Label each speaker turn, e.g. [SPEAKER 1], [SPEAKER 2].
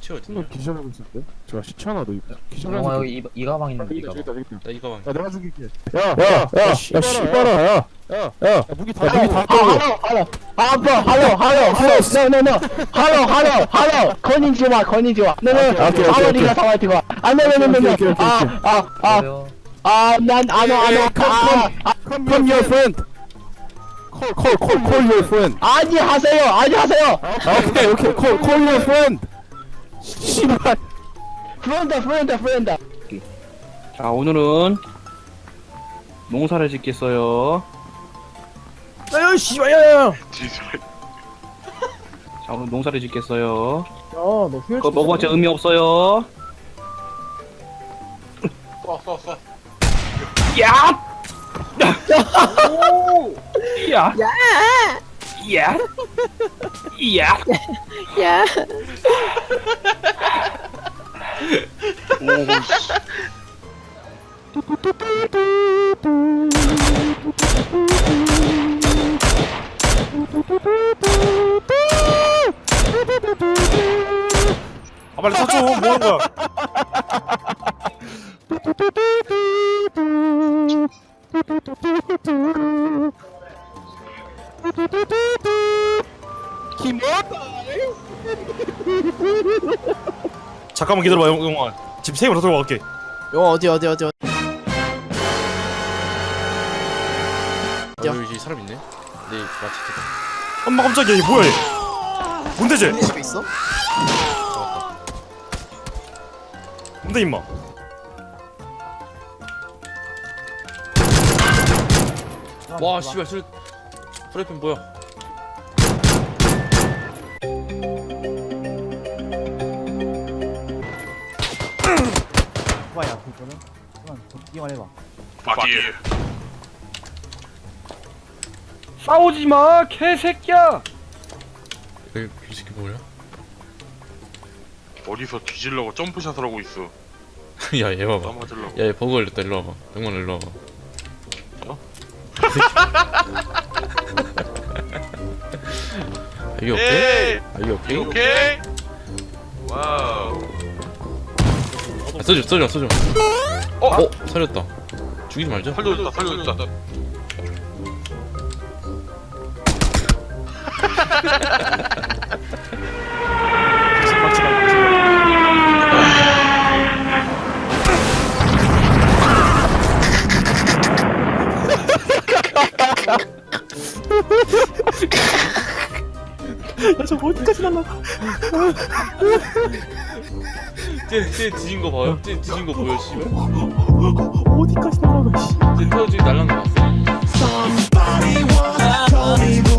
[SPEAKER 1] 시체 어딨냐?
[SPEAKER 2] 너 기절하고 있을 때? 제가 시체 하나 더 기절하는
[SPEAKER 3] 영화 여기 이 가방 있는데 이
[SPEAKER 2] 저기 있다
[SPEAKER 3] 가방.
[SPEAKER 2] 저기 있다.
[SPEAKER 1] 나 이 가방.
[SPEAKER 2] 야 내가 죽일게.
[SPEAKER 4] 야, 씨발아, 야.
[SPEAKER 2] 야 무기 다 무기 다
[SPEAKER 4] hello, hello. hello. konnichiwa. No,
[SPEAKER 2] Okay.
[SPEAKER 4] arigatou.
[SPEAKER 1] Okay.
[SPEAKER 2] Come your friend. Call your friend.
[SPEAKER 4] 아니 하세요.
[SPEAKER 2] Okay. Call your friend. 씨발.
[SPEAKER 4] friend.
[SPEAKER 5] 자, 오늘은 농사를 짓겠어요.
[SPEAKER 3] 아유 씨발 야야야.
[SPEAKER 5] 자, 오늘 농사를 짓겠어요.
[SPEAKER 3] 야너 후열.
[SPEAKER 5] 그거 먹어봤자 의미 없어요.
[SPEAKER 1] 쏴.
[SPEAKER 5] 야! 오! 야! 야! 야!
[SPEAKER 1] 아 빨리 서줘. 뭐 하는 거야? 잠깐만 기다려봐 영화. 지금 세이브로 들어갈게.
[SPEAKER 3] 어디.
[SPEAKER 1] 여기 사람 있네. 네 마치트다.
[SPEAKER 6] 엄마 깜짝이야 이게 뭐야 얘 뭔데 쟤
[SPEAKER 3] 우리 집에 있어?
[SPEAKER 1] 잡았다.
[SPEAKER 6] 뭔데 임마
[SPEAKER 1] 와 씨발 프라이팬 뭐야?
[SPEAKER 3] 봐야 그거는. 이만 해봐.
[SPEAKER 5] 싸우지 마, 개새끼야!
[SPEAKER 1] 이 새끼 뭐야?
[SPEAKER 7] 어디서 뒤질려고 점프샷을 하고 있어.
[SPEAKER 1] 야 얘 봐봐.
[SPEAKER 7] 맞으려고.
[SPEAKER 1] 야얘 버그 걸렸다. 일로 와봐. 병만 일로 와봐.
[SPEAKER 7] 어?
[SPEAKER 1] 이게 오케이?
[SPEAKER 7] 에이!
[SPEAKER 1] 이게 오케이?
[SPEAKER 7] 오케이? 와우.
[SPEAKER 1] 써줘. 살렸다. 죽이지 말자.
[SPEAKER 7] 살려줬다.
[SPEAKER 1] 쟤 뒤진 거 봐요? 쟤 뒤진 거 보여 씨발?
[SPEAKER 3] 어디까지 날아가 씨.
[SPEAKER 1] 쟤 터지 날라는 거 봤어?
[SPEAKER 8] Somebody once told me